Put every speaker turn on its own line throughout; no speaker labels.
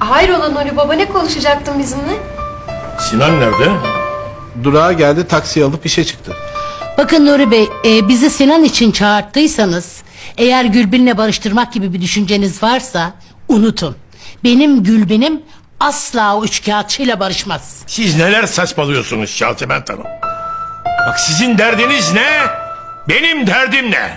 Hayrola Nuri Baba, ne konuşacaktın bizimle?
Sinan nerede?
Durağa geldi, taksi alıp işe çıktı.
Bakın Nuri Bey, bizi Sinan için çağırttıysanız, eğer Gülbin'le barıştırmak gibi bir düşünceniz varsa unutun. Benim Gülbin'im asla o üçkağıtçıyla barışmaz.
Siz neler saçmalıyorsunuz Şaltiment Hanım? Bak sizin derdiniz ne? Benim derdim ne?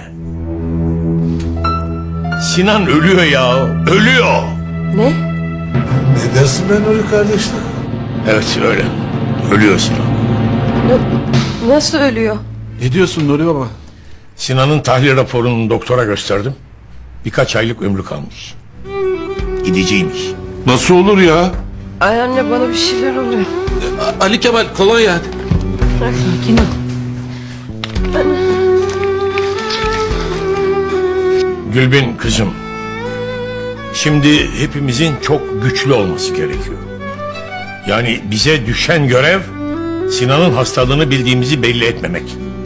Sinan ölüyor ya, ölüyor.
Ne?
Ne dersin ben Nuri kardeşler?
Evet öyle, ölüyor Sinan.
Nasıl ölüyor?
Ne diyorsun Nuri baba?
Sinan'ın tahlil raporunu doktora gösterdim. Birkaç aylık ömrü kalmış. Gideceğiymiş.
Nasıl olur ya?
Ay anne, bana bir şeyler oluyor.
Ali Kemal kolonya hadi.
Sakin ol.
Gülbin kızım. Şimdi hepimizin çok güçlü olması gerekiyor. Yani bize düşen görev Sinan'ın hastalığını bildiğimizi belli etmemek.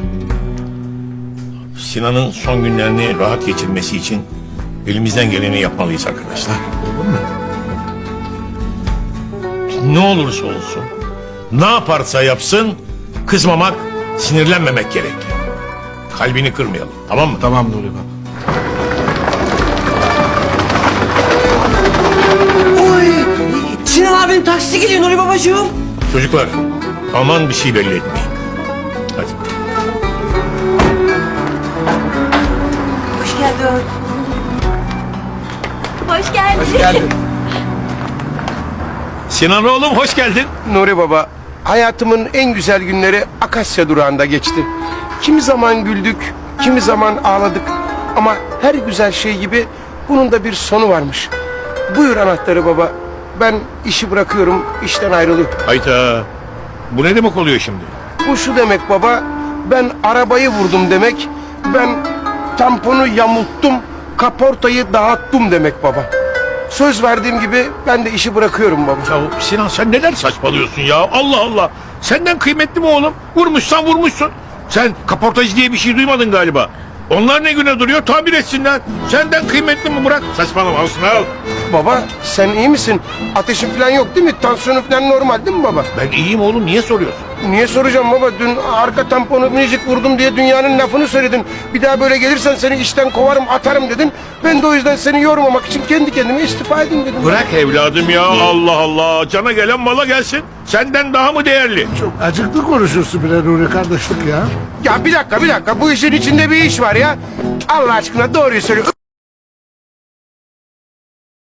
Sinan'ın son günlerini rahat geçirmesi için elimizden geleni yapmalıyız arkadaşlar. Ne olursa olsun, ne yaparsa yapsın, kızmamak, sinirlenmemek gerekli. Kalbini kırmayalım, tamam mı?
Tamam Nuri baba.
Oy! Sinan abinin taksisi geliyor Nuri babacığım.
Çocuklar, aman bir şey belli etmeyin. Hadi.
Hoş geldin.
Hoş geldin.
Hoş geldin.
Sinan oğlum hoş geldin.
Nuri Baba, hayatımın en güzel günleri Akasya durağında geçti. Kimi zaman güldük, kimi zaman ağladık. Ama her güzel şey gibi bunun da bir sonu varmış. Buyur anahtarı baba. Ben işi bırakıyorum, işten ayrılıyorum.
Hayda. Bu ne demek oluyor şimdi?
Bu şu demek baba, ben arabayı vurdum demek. Ben tamponu yamulttum, kaportayı dağıttım demek baba. Söz verdiğim gibi ben de işi bırakıyorum baba.
Ya Sinan sen neler saçmalıyorsun ya? Allah Allah. Senden kıymetli mi oğlum? Vurmuşsan vurmuşsun. Sen kaportacı diye bir şey duymadın galiba. Onlar ne güne duruyor? Tamir etsinler. Senden kıymetli mi Murat? Saçmalama olsun al.
Baba sen iyi misin? Ateşin falan yok değil mi? Tansiyonu falan normal değil mi baba?
Ben iyiyim oğlum. Niye soruyorsun?
Niye soracağım baba? Dün arka tamponu minicik vurdum diye dünyanın lafını söyledin. Bir daha böyle gelirsen seni işten kovarım atarım dedin. Ben de o yüzden seni yormamak için kendi kendime istifa edeyim dedim.
Bırak evladım ya. Allah Allah. Cana gelen mala gelsin. Senden daha mı değerli?
Çok acıklı konuşuyorsun bile Nuri kardeşlik ya.
Ya bir dakika. Bu işin içinde bir iş var ya. Allah aşkına doğruyu söyle.